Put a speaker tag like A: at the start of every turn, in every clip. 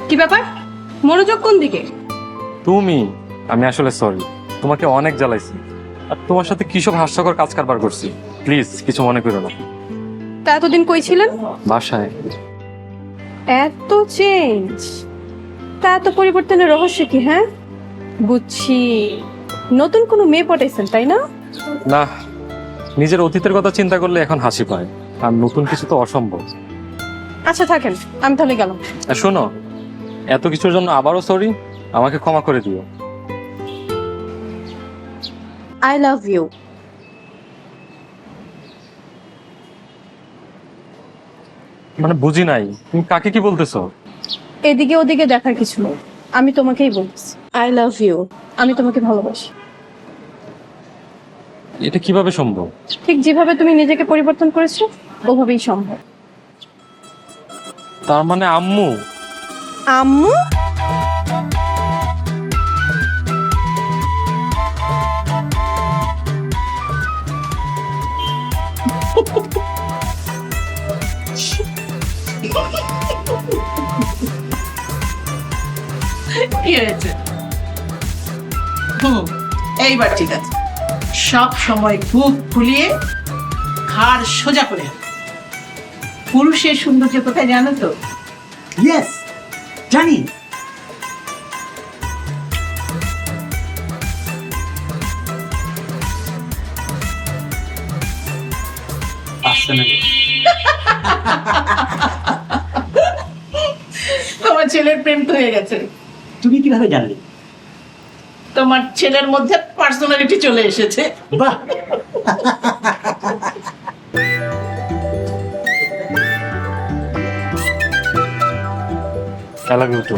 A: কি ব্যাপার, মনোযোগ কোন দিকে?
B: তুমি, আমি আসলে সরি, তোমাকে অনেক জ্বালাইছি আর তোমার সাথে কি সব হাস্যকর কাজ কারবার করছি। প্লিজ কিছু মনে করো না।
A: তা এতদিন কই ছিলেন?
B: বাসায়।
A: এত চেঞ্জ, তা এত পরিবর্তনের রহস্য কি? হ্যাঁ বুঝছি, নতুন কোনো মেয়ে পটাইছেন তাই না?
B: না, নিজের অতীতের কথা চিন্তা করলে এখন হাসি পায়, আর নতুন কিছু তো অসম্ভব।
A: আচ্ছা থাকেন, আমি তাহলে গেলাম।
B: আর শোনো, এত কিছুর জন্য আবারও সরি, আমাকে ক্ষমা করে দিও।
A: I love you.
B: মানে বুঝি নাই, তুমি কাকে কি বলতেছো?
A: এদিকে ওদিকে দেখার কিছু নেই, আমি তোমাকেই বলছি আই লাভ ইউ। আমি তোমাকে ভালোবাসি।
B: এটা কিভাবে সম্ভব?
A: ঠিক যেভাবে তুমি নিজেকে পরিবর্তন করেছো ওভাবেই সম্ভব।
B: তার মানে আম্মু?
A: আম্মু?
C: কি হয়েছে? এইবার ঠিক আছে। সব সময় বুক ফুলিয়ে ঘাড় সোজা করে রাখো। পুরুষের সৌন্দর্য কোথায় জানো তো?
D: ইয়েস, জানি। আসছে না।
C: তোমার ছেলের প্রেম তো হয়ে গেছে।
D: তুমি কিভাবে জানলে?
C: তোমার ছেলের মধ্যে পার্সোনালিটি চলে এসেছে।
D: বাহ,
B: আই লাভ ইউ টু।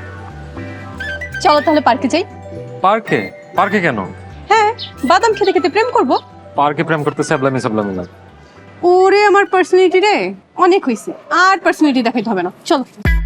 A: চলো তাহলে পার্কে যাই।
B: পার্কে? পার্কে কেন?
A: হ্যাঁ, বাদাম খেতে খেতে প্রেম করব।
B: পার্কে প্রেম করতে স্যাবলামি স্যাবলামি লাগে।
A: ওরে আমার পার্সোনালিটি রে, অনেক হইছে, আর পার্সোনালিটি দেখাইতে হবে না, চলো।